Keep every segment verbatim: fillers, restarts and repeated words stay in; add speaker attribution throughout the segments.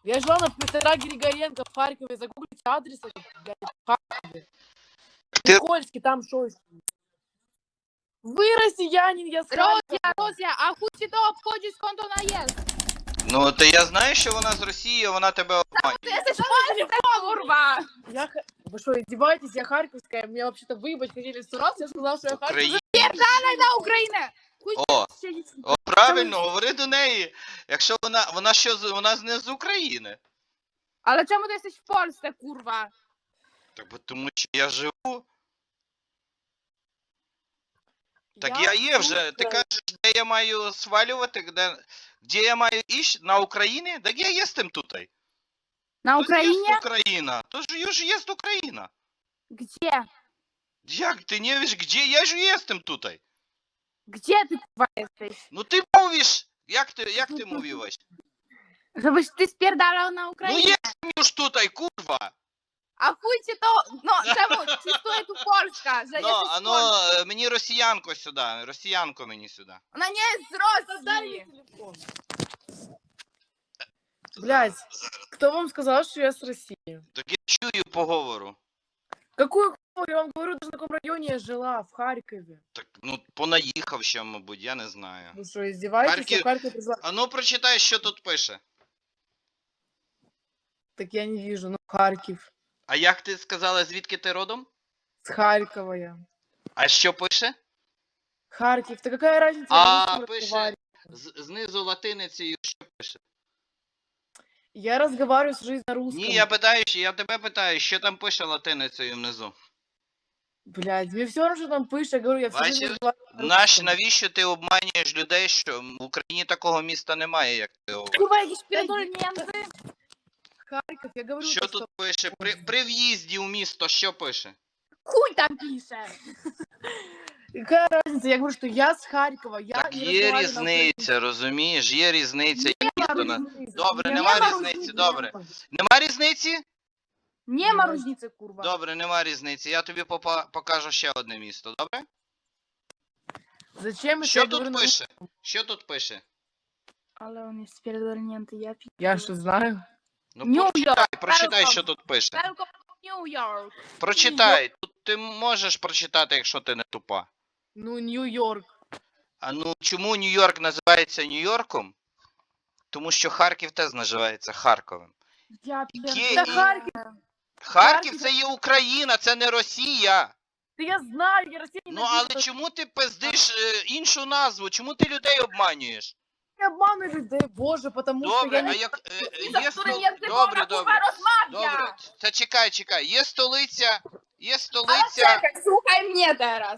Speaker 1: Я жила на Петра Григоренко в Харькове. Загуглите адрес, блядь, в Харькове.
Speaker 2: Ти...
Speaker 1: Никольский, там шо? Ви росіянин, я з Харкова.
Speaker 3: Розя, Розя, а хуй ти то обходиш конто наїзд?
Speaker 2: Ну, то я знаю, що вона з Росії, вона тебе обманює.
Speaker 3: Ти ж пальцем, курва!
Speaker 1: Я... Вы что, издеваетесь? Я харьковская. Меня вообще-то выебать хотели сто раз. Я сказала, что я харьковская.
Speaker 3: Пердалай на Україну!
Speaker 2: О, о, правильно, говори до неї. Якщо вона, вона що, з- вона з- не з України.
Speaker 3: Але чому ти jesteś в Польsce, курва?
Speaker 2: Так, бо тому що я живу. Так я є вже. Ти кажеш, де я маю свалювати, де, де я маю іщ? На Україні? Так я єстем тут.
Speaker 3: На
Speaker 2: Тож
Speaker 3: Україні?
Speaker 2: єсть Україна. Тож я ж єст Україна.
Speaker 3: Где?
Speaker 2: Як ти не віш, де? Я ж єстем тут.
Speaker 3: Где ти, курва, jesteś?
Speaker 2: Ну ти мовиш. Як ти, як ти мовиш?
Speaker 3: Żeby ти spierdalał na
Speaker 2: Ну
Speaker 3: Україні?
Speaker 2: єстем ж тут, курва.
Speaker 3: А хуй чи то, ну, чому? Чи стоїть у Польська? Że
Speaker 2: Ну,
Speaker 3: jesteś
Speaker 2: а
Speaker 3: w
Speaker 2: ну,
Speaker 3: Polsce?
Speaker 2: е, мені росіянко сюди, росіянко мені сюди.
Speaker 3: Вона не з
Speaker 1: Дай мне
Speaker 3: Росії.
Speaker 1: телефон. Блядь, кто вам сказал, что я с России?
Speaker 2: Так я чую поговору.
Speaker 1: Какую хуй? Я вам говорю, даже на каком районе я жила, в Харькове.
Speaker 2: Так, ну, понаїхав ще, мабуть, я не знаю.
Speaker 1: Вы что, издеваетесь?
Speaker 2: Харьков-
Speaker 1: Я в Харьков пришла.
Speaker 2: А ну, прочитай, що тут пише.
Speaker 1: Так я не вижу, ну Харьков.
Speaker 2: А як ти сказала, звідки ти родом?
Speaker 1: С Харькова я.
Speaker 2: А що пише?
Speaker 1: Харьков, да какая разница?
Speaker 2: А,
Speaker 1: я на русском
Speaker 2: пише.
Speaker 1: разговариваю.
Speaker 2: З- знизу латиницею що пише?
Speaker 1: Я разговариваю всю жизнь на русском.
Speaker 2: Ні, я питаю, що- я тебе питаю, що там пише латиницею внизу.
Speaker 1: Блядь, мне все равно, что там пишет, я говорю, я всю жизнь
Speaker 2: Бачиш?
Speaker 1: разговариваю на
Speaker 2: Наш,
Speaker 1: русском.
Speaker 2: навіщо ти обманюєш людей, що в Україні такого міста немає, як ти говориш?
Speaker 3: Курва, якісь передольненти.
Speaker 1: Харьков, я говорю,
Speaker 2: Що
Speaker 1: то,
Speaker 2: тут пише? При, при в'їзді у місто що пише?
Speaker 3: Хуй там пише.
Speaker 1: Какая разница? Я говорю, что я с Харькова, я
Speaker 2: Так
Speaker 1: не
Speaker 2: є
Speaker 1: разговариваю на
Speaker 2: різниця, розумієш? Є різниця. Є місто на...
Speaker 1: украинском.
Speaker 2: Добре,
Speaker 1: Нема
Speaker 2: нема
Speaker 1: різниці,
Speaker 2: різниці,
Speaker 1: нема.
Speaker 2: добре. Нема різниці?
Speaker 3: Нема різниці, курва.
Speaker 2: Добре, нема різниці. Я тобі попа- покажу ще одне місто, добре?
Speaker 1: Зачем, если
Speaker 2: Що
Speaker 1: я
Speaker 2: тут
Speaker 1: говорю на
Speaker 2: пише? Що тут пише?
Speaker 3: Але вони передольненти, я п'ю.
Speaker 1: Я что, знаю?
Speaker 2: Ну
Speaker 3: Нью-Йорк,
Speaker 2: прочитай, прочитай,
Speaker 3: Welcome.
Speaker 2: що тут пише.
Speaker 3: Welcome to New York.
Speaker 2: Прочитай. Тут ти можеш прочитати, якщо ти не тупа.
Speaker 1: Ну, Нью-Йорк.
Speaker 2: А ну чому Нью-Йорк називається Нью-Йорком? Тому що Харків теж називається Харковом.
Speaker 3: Я
Speaker 2: Є-
Speaker 1: Да
Speaker 2: і-
Speaker 1: Харьков,
Speaker 2: Харків це є Україна, це не Росія.
Speaker 1: да я знаю, я Россию
Speaker 2: Ну але чому ти пиздиш е, іншу назву? Чому ти людей обманюєш?
Speaker 1: не обманываю людей, боже, потому что
Speaker 2: Добре,
Speaker 1: я
Speaker 2: а
Speaker 1: не...
Speaker 2: як е,
Speaker 3: за
Speaker 2: є стол...
Speaker 3: którym językiem
Speaker 2: Добре,
Speaker 3: ona,
Speaker 2: добре.
Speaker 3: kurwa, rozmawia.
Speaker 2: Добре. Це чекай, чекай. Є столиця, є
Speaker 3: Ale
Speaker 2: столиця.
Speaker 3: czekaj, słuchaj mnie teraz.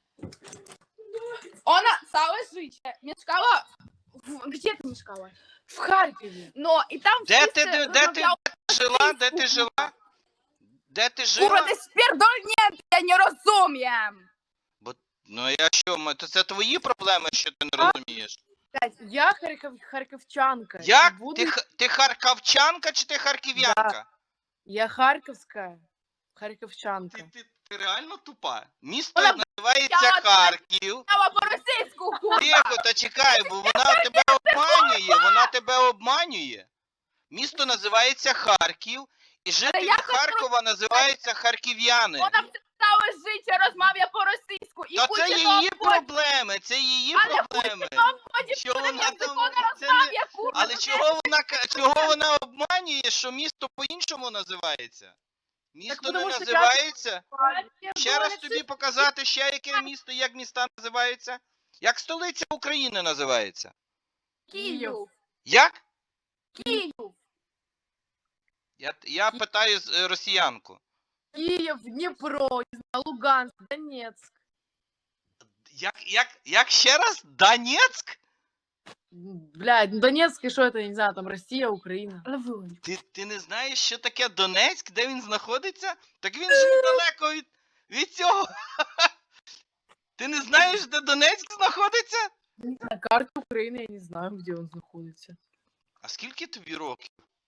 Speaker 3: Ona całe życie mieszkała... W... Gdzie ty mieszkałaś?
Speaker 1: В Харькове.
Speaker 3: No i tam
Speaker 2: Де
Speaker 3: wszyscy
Speaker 2: ти де, де ти
Speaker 3: rozmawiały...
Speaker 2: жила? Де ти жила? Де ти
Speaker 3: Kurwa,
Speaker 2: жила?
Speaker 3: ty spierdolnięty, ja nie rozumiem.
Speaker 2: Ну я що, м- то це твої проблеми, що ти не розумієш?
Speaker 1: Блядь, я Харьков... харьковчанка. и
Speaker 2: Як?
Speaker 1: буду-
Speaker 2: Ти, х- ти харківчанка чи ти харків'янка?
Speaker 1: Я харьковская. Харьковчанка.
Speaker 2: Ти, ти, ти реально тупа? Місто
Speaker 3: Вона
Speaker 2: називається
Speaker 3: б***ла,
Speaker 2: Харків.
Speaker 3: Miała po rosyjsku, kurwa.
Speaker 2: Тихо, та чекай, бо вона тебе обманює, вона тебе обманює. Місто називається Харків, і жителі
Speaker 3: як це
Speaker 2: Харкова називаються харків'яни.
Speaker 3: Вона całe życie rozmawia po rosyjsku. I
Speaker 2: Та
Speaker 3: chuj
Speaker 2: це
Speaker 3: cię to
Speaker 2: її
Speaker 3: obchodzi.
Speaker 2: проблеми, це її
Speaker 3: Ale chuj
Speaker 2: проблеми.
Speaker 3: cię to obchodzi, w
Speaker 2: Що
Speaker 3: którym
Speaker 2: вона
Speaker 3: języku
Speaker 2: там-
Speaker 3: ona
Speaker 2: це не-
Speaker 3: rozmawia, kurwa.
Speaker 2: Але
Speaker 3: to
Speaker 2: чого вона ка- чого вона обманює, що місто по-іншому називається? Місто не
Speaker 1: тому що
Speaker 2: називається?
Speaker 3: jest-
Speaker 2: Ще раз тобі показати, ще яке місто, як міста називаються? Як столиця України називається?
Speaker 3: Київ.
Speaker 2: Як?
Speaker 3: Київ.
Speaker 2: Я, я питаю з- е, росіянку.
Speaker 1: Киев, Днепро, не знаю, Луганск, Донецк.
Speaker 2: Як, як, як ще раз? Донецьк?
Speaker 1: Блядь, ну Донецк и что это, не знаю, там Россия, Украина.
Speaker 3: Ale wyłącz.
Speaker 2: Ти, ти не знаєш, що таке Донецьк, де він знаходиться? Так він ж недалеко від, від цього. Ти не знаєш, де Донецьк знаходиться?
Speaker 1: На карте Украины я не знаю, где он находится.
Speaker 2: А скільки тобі років?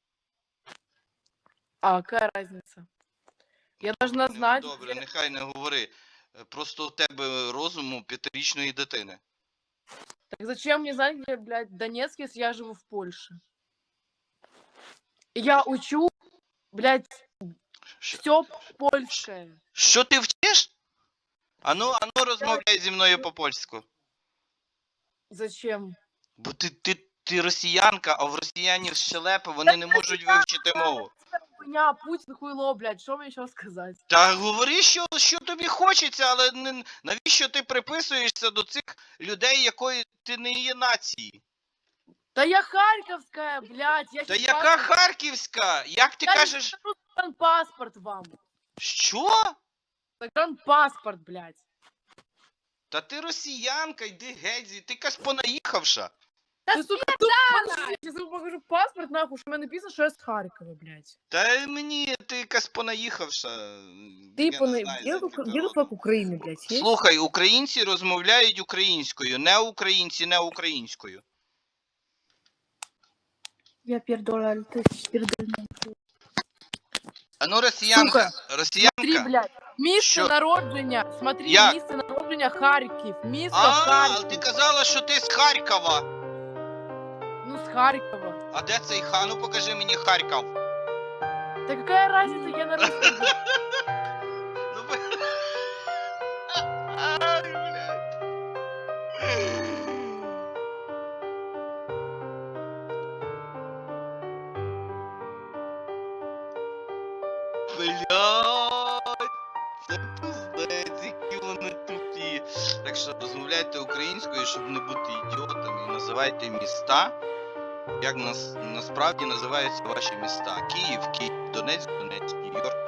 Speaker 1: А какая разница? Я должна
Speaker 2: Не-
Speaker 1: знать,
Speaker 2: Добре,
Speaker 1: где-
Speaker 2: нехай не говори. Е, Просто у тебе розуму п'ятирічної дитини.
Speaker 1: Так зачем мне знать, где, блядь, Донецк, если я живу в Польше? Я учу, блядь,
Speaker 2: Що,
Speaker 1: все польське.
Speaker 2: що ти вчиш? Ану, ану розмовляй зі мною по-польську.
Speaker 1: Зачем?
Speaker 2: Бо ти, ти, ти росіянка, а в росіянів щелепи, вони не можуть вивчити мову.
Speaker 1: Хуйня, Путін хуйло, блядь, що мені ще сказати?
Speaker 2: Та говори, що, що тобі хочеться, але не, навіщо ти приписуєшся до цих людей, якої ти не є нації?
Speaker 1: Та я харківська, блядь, я
Speaker 2: Та
Speaker 1: щас
Speaker 2: яка
Speaker 1: паспорт-
Speaker 2: Харківська? Як ти
Speaker 1: Я
Speaker 2: кажеш?
Speaker 1: не скажу паспорт вам.
Speaker 2: Що?
Speaker 1: Паспорт, блядь.
Speaker 2: Та ти росіянка, йди геть, звідти, ти якась понаїхавша.
Speaker 1: Ти, сука, тут, подожди, я тобі покажу паспорт, нахуй, що в мене написано, що я з Харкова, блядь.
Speaker 2: Та мені ти якась понаїхавша.
Speaker 1: Ти
Speaker 2: Я не
Speaker 1: пона...
Speaker 2: знаю,
Speaker 1: Где
Speaker 2: за
Speaker 1: тут
Speaker 2: який
Speaker 1: где тут
Speaker 2: ти
Speaker 1: флаг України, блядь, є?
Speaker 2: Слухай, українці розмовляють українською, не українці не українською.
Speaker 3: Я пердоля, ти пердольна.
Speaker 2: А ну росіянка,
Speaker 1: Смотри,
Speaker 2: росіянка.
Speaker 1: блядь, місце
Speaker 2: Що?
Speaker 1: народження, смотри,
Speaker 2: Як?
Speaker 1: місце народження Харків, місто
Speaker 2: А,
Speaker 1: Харків.
Speaker 2: ти казала, що ти з Харкова.
Speaker 1: Ну, з Харкова.
Speaker 2: А де цей хан? Ну покажи мені Харків.
Speaker 1: Да какая разница, я на русском.
Speaker 2: Ну, б- Ай, блядь. Блядь, це пиздець, які вони тупі. Так що розмовляйте українською, щоб не бути ідіотами, і називайте міста, як нас, насправді називаються ваші міста. Київ, Київ, Донецьк, Донецьк, Нью-Йорк,